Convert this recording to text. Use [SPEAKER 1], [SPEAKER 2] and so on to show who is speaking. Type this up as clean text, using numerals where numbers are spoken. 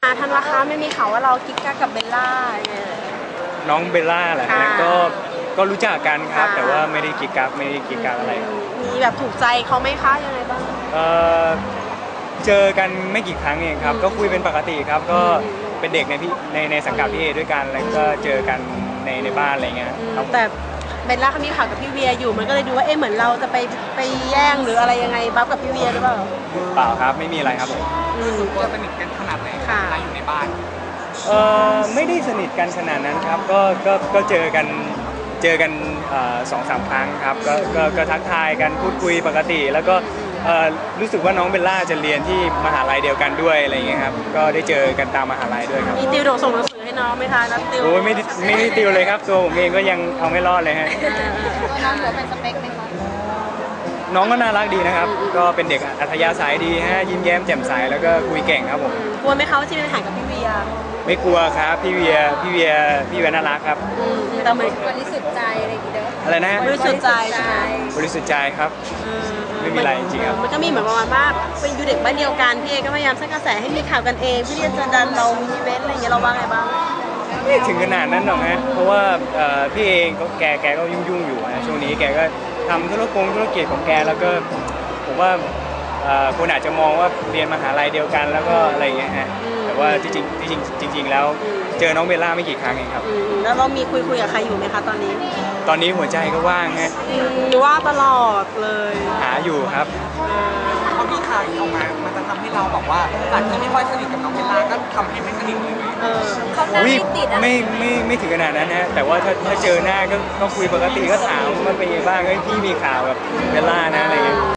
[SPEAKER 1] ธันวาคะไม่มีข่าวว่าเรากิ๊กกักกับเบลล่า
[SPEAKER 2] น้องเบลล่าแหละฮะก็รู้จักกันครับแต่ว่าไม่ได้กิ๊กกักอะไร
[SPEAKER 1] มีแบบถูกใจเขาไหมคะยังไงบ้าง
[SPEAKER 2] เจอกันไม่กี่ครั้งเองครับก็คุยเป็นปกติครับก็เป็นเด็กในสังกัดพี่เอด้วยกันแล้วก็เจอกันในบ้านอะไรเงี้ยครับ
[SPEAKER 1] แต่เบลล่าเขามีข่าวกับพี่เวียอยู่มันก็เลยดูว่าเหมือนเราจะไปแย่งหรืออะไรยังไงบัฟกับพี่เวียหรือเปล่า
[SPEAKER 2] เปล่าครับไม่มีอะไรครับผม
[SPEAKER 3] ตัวสนิทกันขนาดไหนค่ะอยู่ในบ้าน
[SPEAKER 2] ไม่ได้สนิทกันขนาดนั้นครับก็เจอกัน2-3 ครั้งครับก็ทักทายกันพูดคุยปกติแล้วก็รู้สึกว่าน้องเบลล่าจะเรียนที่มหาลัยเดียวกันด้วยอะไรอย่างเงี้ยครับก็ได้เจอกันตามมหาลัยด้วยครับ
[SPEAKER 1] มีติวส่งหนังสือให้น้องไหมคะนัดติว
[SPEAKER 2] โอ้ยไม่ได้ติวเลยครับตัวผมเองก็ยังเอาไม่รอดเลยฮะ
[SPEAKER 1] น้องถือเป็นสเปคไหมคะ
[SPEAKER 2] น้องก็น่ารักดีนะครับก็เป็นเด็กอัธยาศัยดีฮะยิ้มแย้มแจ่มใสแล้วก็คุยเก่งครับผม
[SPEAKER 1] กลัวไหมคะว่าจะมีปัญหากับพี่เวีย
[SPEAKER 2] ไม่กลัวครับพี่เวียน่ารักครับ
[SPEAKER 1] แต่เหมือนบริสุทธิ์ใจอะไรอย่างเงี้ย
[SPEAKER 2] อะไรนะ
[SPEAKER 1] บริสุทธิ์ใจ
[SPEAKER 2] บริสุทธิ์ใจครับไม่มีอะไรจริงๆครับ
[SPEAKER 1] มันก็มีเหมือนประมาณว่าเป็นอยู่เด็กบ้านเดียวกันพี่เอก็พยายามสร้างกระแสให้มีข่าวกันเองเพื่อที่จะดันเรามีอีเวนต์อะไรอย่างเงี้ยเราว่าไงบ้าง
[SPEAKER 2] ไม่ถึงขนาดนั้นหรอกฮะเพราะว่าพี่เองก็แกก็ยุ่งอยู่นะช่วงนี้แกก็ทำธุรกิจของแกแล้วก็ผมว่าคนอาจจะมองว่าเรียนมหาลัยเดียวกันแล้วก็อะไรอย่างเงี้ยฮะแต่ว่าจริงแล้วเจอน้องเบลล่าไม่กี่ครั้งเองครับ
[SPEAKER 1] แล้วเรามีคุยกับใครอยู่ไหมคะตอนนี้
[SPEAKER 2] หัวใจก็ว่างฮะ
[SPEAKER 1] ว่าตลอดเลย
[SPEAKER 2] หาอยู่ครับ
[SPEAKER 3] เขามีข่าวออกมามันจะทำให้เราบอกว่าจากที่ไม่ค่อยสนิทกับน้องเบลล่าก็ทำให้ไม่สนิทเลย
[SPEAKER 1] เขาไม่ติด
[SPEAKER 2] ไม่ถึงขนาดนั้นนะแต่ว่าถ้าเจอหน้าก็คุยปกติก็ถามมันเป็นยังไงบ้างพี่มีข่าวกับเบลล่านะอะไรเงี้ย